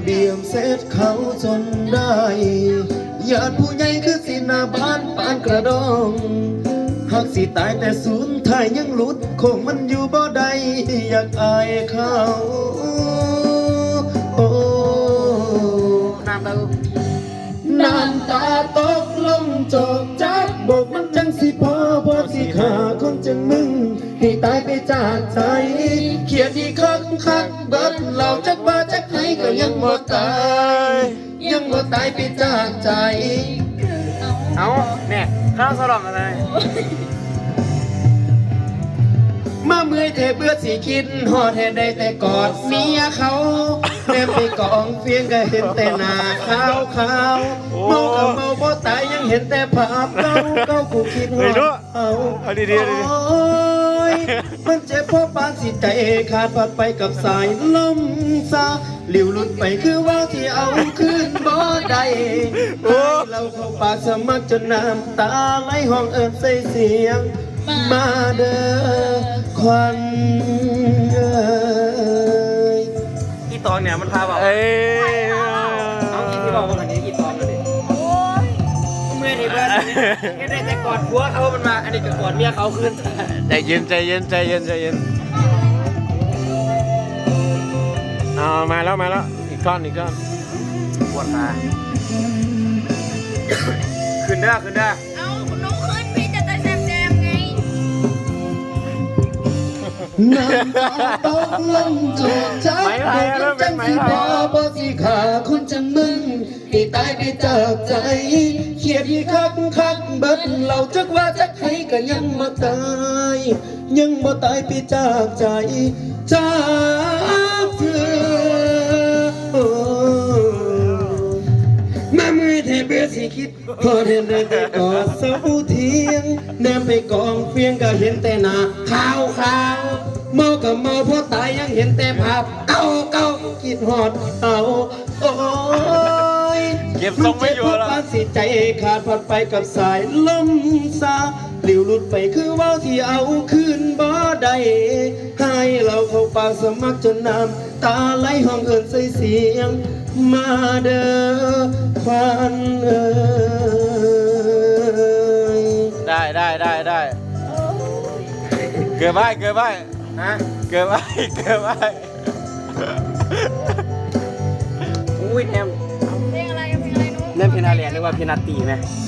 เบียมเสร็จเขาจนได้ญาติผู้ใหญ่คือสิหน้าบ้านปานกระดองหากสิตายแต่ศูนย์ไทยยังหลุดคงมันอยู่บ่ได้อยากอายเขาโอ้น้ำตาตกลงจอกจักบอกมันจังสิพอสิขาคนจังมึงให้ตายไปจากใจเขียดที่คักเบิดเราจักว่าจักให้ก็ยังบ่ตายยังบ่ตายไปจากใจเอาเนี่ยข้าวสลองอะไรมาเมื่อยเทเบื่อสิคิดหอดให้ได้แต่กอดเมียเขาแม่ไปกองเฟียงก็เห็นแต่หน้าขาวเมากับเมาบ่ตายยังเห็นแต่ภาพเก่ากูคิดหอดเอาดีโอ้ยมันเจ็บเพราะปานสิใจขาดพัดไปกับสายลมซาหลิวหลุดไปคือว่าที่เอาคืนบ่ได้ให้เราเข้าปากสมัครจนน้ำตาไหลห้องเอิญใส่เสียงมาเด้อควันอีตองเนี่ยมันพาบอกเอาอีที่บอกว่าอันนี้อีตองเลยเมื่อที่เพื่อนไม่ได้แต่กอดผัวเขามันมาอันนี้ก็กอดเมียเขาขึ้นใจเย็นมาแล้วอีกก้อนปวดขาขึ้นได้เอาคุณน้องขึ้นพี่จะแซมไงน้ำตาตกลงจดจักจังสิบ่สิขาคนจังมึงให้ตายไปจากใจเขียดที่คักเบิดเราจักว่าจักให้ก็ยังบ่ตายไปจากใจจากเธอมามือเทเบื่อสิคิดพอเห็นได้แต่กอดเสาเทียงแนมไปกองเฟียงก็เห็นแต่หน้าขาวเมากับเมาเพราะตายยังเห็นแต่ภาพเก่าคิดหอดเอาโอ้ยเก็บทรงไม่อยู่แล้วปานสิใจขาดพัดไปกับสายลมซาหลิวหลุดไปคือว่าวที่เอาคืนบ่ได้ให้เราเข้าปากสมัครจนน้ำตาไหลห้องเอิญใส่เสียงมาเด้อควันได้เกือบไปฮะเกือบไปอุ้ยแนมเพลงอะไรนู้นเล่นเพลงอะไรเรียกว่าเพลงนาตีไหม